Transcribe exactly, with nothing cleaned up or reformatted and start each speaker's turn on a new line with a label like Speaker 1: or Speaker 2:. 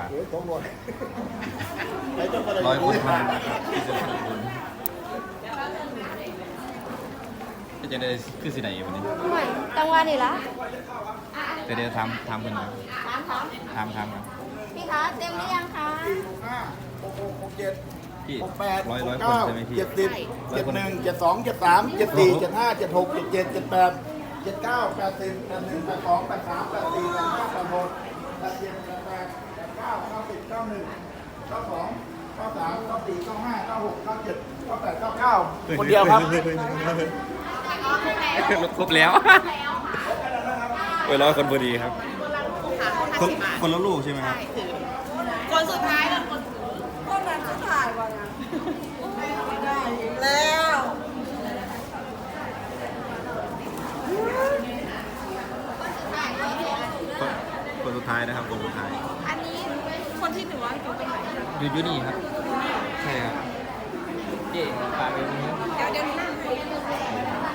Speaker 1: โอ้ยของหมด
Speaker 2: ร้อยคนเท่านั้นนะครับที่จะทำบุญจะได้คือสิไหนวันนี้
Speaker 3: ไม่จังหวะนี่ละ
Speaker 2: จะได้ทำทำกันนะ
Speaker 3: ถามถาม
Speaker 2: ทำทำครับ
Speaker 3: พี่คะเต็มหรือยังคะ
Speaker 1: ห้าหกหกหกเจ็ด
Speaker 2: พี่
Speaker 1: หกแปด
Speaker 2: ร้อย
Speaker 1: ห
Speaker 2: ร้อก ยคน
Speaker 1: เก้า
Speaker 2: ใช่ไหมพี่
Speaker 1: เจ็ดสิบเจ็ดหนึ่งเจ็ดสองเจ็ดสามเจ็ดสี่เจ็ดห้าเจ็ดหกเจ็ดเจ็ดเจ็ดแปดเจ็ดเก้าแปดสิบแปดหนึ่งแปดสองแปดสามแปดสี่แปดห้าแปดหกแปดเจ็ดแปดแปดแปดเก้าเก้าสิบเก้าหนึ่งเก้าสองเก้าสามเก้าสี่เก้าห้าเก้าหกเก้าเจ็ดเก้าแปดเก้าเก้าคนเดียวครับ
Speaker 2: ครบแล้วเวลาคนพอดีครับ คนคนละลูกใช่ไหมครับ
Speaker 4: คนสุดท้ายแล้วคน
Speaker 3: คนนั้นจะถ่ายวันนะ
Speaker 4: แล้ว
Speaker 2: คนคนสุดท้ายนะครับคนสุดท้าย
Speaker 4: อันนี้คนที่หนึ่งว่าอยู่ตรงไหน
Speaker 2: อยู่อยู่นี่ครับ ใช่ครับเจ๊ปลาไปตรงนี้
Speaker 4: เดี๋ยวเดี๋ยวนี้